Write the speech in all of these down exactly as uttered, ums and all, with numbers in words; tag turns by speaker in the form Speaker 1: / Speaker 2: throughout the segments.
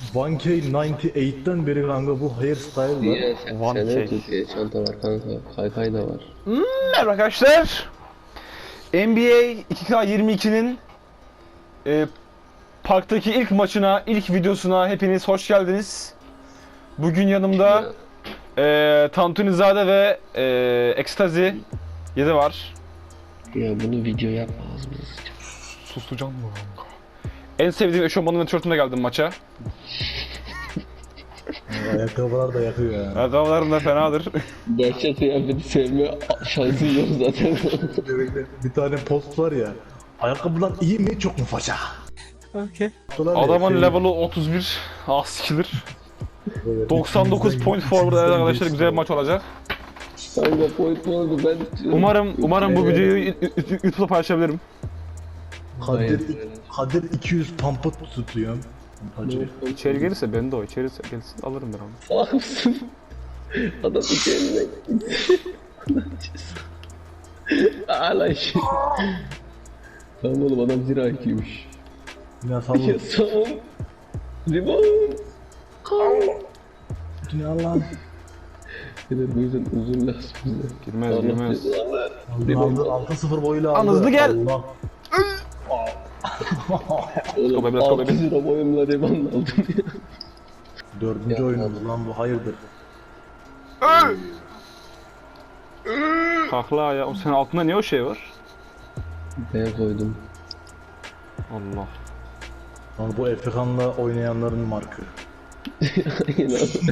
Speaker 1: one K doksan sekizden beri kanka bu hairstyle var.
Speaker 2: Niye? Sen,
Speaker 3: One
Speaker 2: sende
Speaker 3: K.
Speaker 2: Türkiye çanta var kanka. Kaykay da var.
Speaker 3: Merhaba arkadaşlar. N B A iki K yirmi ikinin e, parktaki ilk maçına, ilk videosuna hepiniz hoş geldiniz. Bugün yanımda e, Tantunizade ve e, Ekstazi yedi var.
Speaker 2: Ya bunu video yapma ağzımıza sıçar.
Speaker 3: Susacağım mı kanka? En sevdiğim eşofmanın ve tişörtümle geldim maça.
Speaker 1: Ayakkabılar da yakıyor ya.
Speaker 3: Ayakkabılarım da fenadır.
Speaker 2: Bahçe kıyafeti sevme şansın yok zaten.
Speaker 1: Bir tane post var ya. Ayakkabılar iyi mi çok mu faça?
Speaker 3: Okay.
Speaker 1: Dolar
Speaker 3: Adamın
Speaker 1: ya,
Speaker 3: level'ı otuz bir. Ah sikilir.
Speaker 1: evet,
Speaker 3: doksan dokuz
Speaker 1: içimizden-
Speaker 3: point forward evet arkadaşlar,
Speaker 1: içimizden
Speaker 3: güzel bir maç olacak.
Speaker 2: Kanka point oldu ben...
Speaker 3: Umarım umarım bu videoyu YouTube'da paylaşabilirim.
Speaker 1: Kadir, Kadir iki yüz pampa tutuyor. Hacı.
Speaker 3: İçeri gelirse ben de o. İçeri gelirse alırım ben onu.
Speaker 2: Salak mısın? Adam iki elinden Hala şey. Tamam oğlum adam zira ikiymiş.
Speaker 1: Dünya sallı.
Speaker 2: Ya son. Limon.
Speaker 1: Dünya lan.
Speaker 2: Neler bu yüzden uzun lazım bize.
Speaker 3: Girmez girmez.
Speaker 1: Aldı, altı sıfır boyuyla aldı.
Speaker 3: Lan hızlı gel.
Speaker 1: Allah.
Speaker 2: Oğlum
Speaker 3: Let's go, let's go,
Speaker 2: altı lira boyumla Limon aldım ya.
Speaker 1: Dördüncü
Speaker 2: Ya,
Speaker 1: oyunumuz lan bu, hayırdır?
Speaker 3: Kakla ya. O senin altında niye o şey var?
Speaker 2: Ben koydum.
Speaker 3: Allah.
Speaker 1: Lan bu Efekan'la oynayanların markı.
Speaker 2: Aynen abi.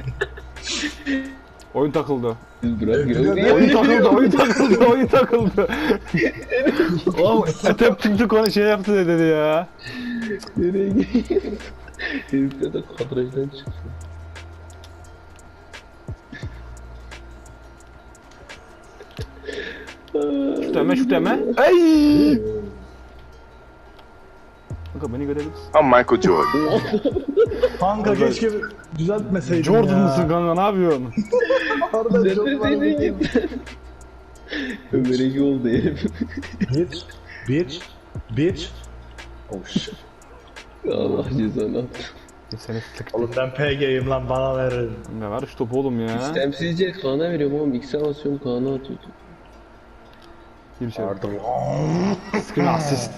Speaker 3: Oyun takıldı.
Speaker 2: Bırak ya.
Speaker 3: Oyun takıldı, oyun takıldı, oyun takıldı. Oğlum etep çıktı konu şey yaptı dedi ya.
Speaker 2: Nereye gidiyorsun? Herifler de kadrajdan çıktı.
Speaker 3: Şu deme, şu deme. Ey! Kanka beni görebilirsin.
Speaker 4: I'm Michael Jordan.
Speaker 1: Kanka keşke düzeltmeseydin
Speaker 3: Jordan
Speaker 1: ya.
Speaker 3: mısın kanka, ne yapıyorsun?
Speaker 1: Harbiden çok var.
Speaker 2: Nereye Ömer Ege oldu herif.
Speaker 1: Bitch, bitch, bitch. Oh shit.
Speaker 2: Allah cezanı attı.
Speaker 3: Seni sıktı.
Speaker 1: Oğlum ben P G'yim lan, bana verin.
Speaker 3: Ne var şu topu oğlum ya.
Speaker 2: İstemsizce Kaan'a veriyorum oğlum. X'e basıyorum Kaan'a atıyor.
Speaker 3: Gir içeri.
Speaker 1: Pardon.
Speaker 3: Screen assist.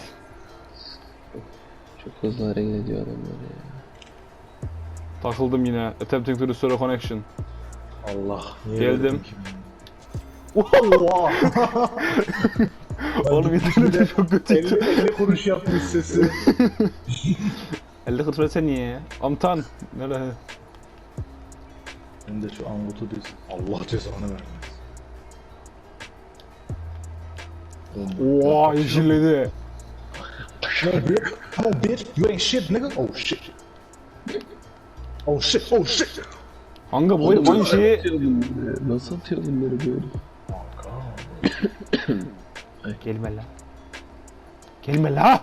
Speaker 2: Çok hızlı hareket ediyor adamlar ya.
Speaker 3: Takıldım yine. Attempting to restore connection.
Speaker 1: Allah. niye
Speaker 3: Geldim.
Speaker 1: verdin ki bunu? Oha.
Speaker 3: Oğlum internette çok kötüydü.
Speaker 1: elli, elli kuruş yapmış sesi.
Speaker 3: elli kırk versene niye ya? Amtan. Nerede?
Speaker 1: Ben de şu angutu düz. Allah cezanı vermesin.
Speaker 3: Oha yeşilledi.
Speaker 1: Come on, bitch. Come on, bitch. You ain't shit, nigga. Oh shit. Oh shit. Oh shit.
Speaker 3: Kanka bu oyun oyun şeyi...
Speaker 2: Atıyor bunları. Nasıl atıyor bunları böyle?
Speaker 3: Gelme la. Gelme la.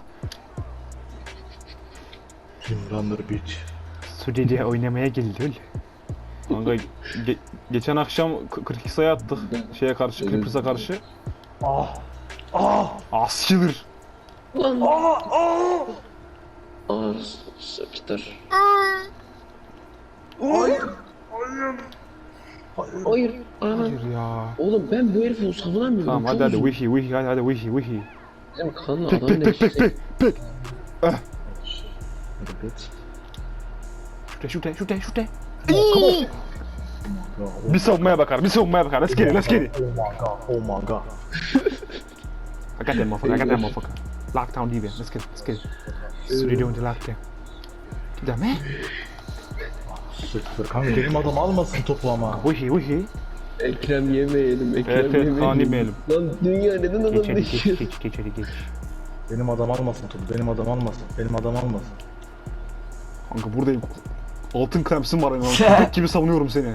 Speaker 1: Kim runner bitch.
Speaker 3: Suriye'ye oynamaya geldi öyle. Kanka ge- geçen akşam k- kırk iki sayı attık şeye karşı, Clippers'a karşı.
Speaker 1: Ah. Ah.
Speaker 3: Askıdır.
Speaker 2: Lan.
Speaker 1: Ah. Ah.
Speaker 2: Ağır sapıtır.
Speaker 1: Hayır. Hayır. Hayır.
Speaker 2: Hayır. Ana.
Speaker 3: Hayır ya.
Speaker 2: Oğlum ben bu herifi savunamıyorum.
Speaker 3: Tamam hadi
Speaker 2: Çok
Speaker 3: hadi
Speaker 2: uzun.
Speaker 3: wihi wihi hadi hadi wihi wihi.
Speaker 2: Bizim kanla
Speaker 3: Pek
Speaker 2: adam
Speaker 3: pek pek pek
Speaker 2: değişti.
Speaker 3: pek pek.
Speaker 1: Bitch.
Speaker 3: Şute şute şute şute.
Speaker 1: Oh
Speaker 3: Bir savunmaya bakar bir savunmaya bakar. Let's get it let's get it.
Speaker 1: my god. Oh my god.
Speaker 3: I got that motherfucker I got that motherfucker. Lockdown D B let's get it let's get it. Suriye doing the lockdown. Deme.
Speaker 1: Sıktır. Kanka benim adam almasın topu ama.
Speaker 3: Wihi wihi.
Speaker 2: Ekrem yemeyelim. Ekrem
Speaker 3: Evet, evet,
Speaker 2: yemeyelim.
Speaker 3: Kaan yemeyelim.
Speaker 2: Lan dünya neden adam
Speaker 3: Geç hadi
Speaker 2: değişiyor?
Speaker 3: geç geç geç hadi geç.
Speaker 1: Benim adam almasın topu. Benim adam almasın. Benim adam almasın.
Speaker 3: Kanka buradayım. Altın kremsin var ya. Köpek gibi savunuyorum seni.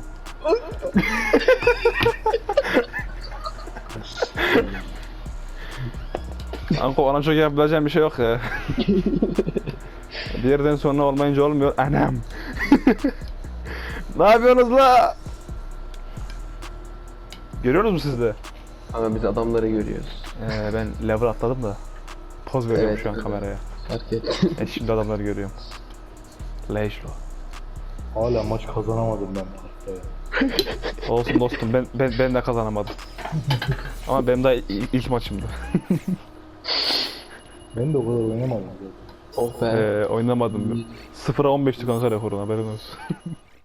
Speaker 3: Kanka ona çok yapabileceğim bir şey yok ya. Bir yerden sonra olmayınca olmuyor. Anam. Ne yapıyorsunuz la? Görüyorsunuz mu siz de?
Speaker 2: Ama biz adamları görüyoruz.
Speaker 3: Ee, ben level atladım da. Poz veriyorum
Speaker 2: Evet,
Speaker 3: şu an
Speaker 2: evet.
Speaker 3: kameraya.
Speaker 2: Fark ettim.
Speaker 3: E şimdi adamları görüyorum. Leşlo.
Speaker 1: Hala maç kazanamadım ben parkta ya.
Speaker 3: Olsun dostum, ben ben, ben de kazanamadım. Ama benim daha ilk, ilk maçımdı.
Speaker 1: Ben de o kadar oynamadım zaten.
Speaker 2: Oh be.
Speaker 3: Ee, oynamadım. sıfıra on beşti kanka rekorun, haberin olsun.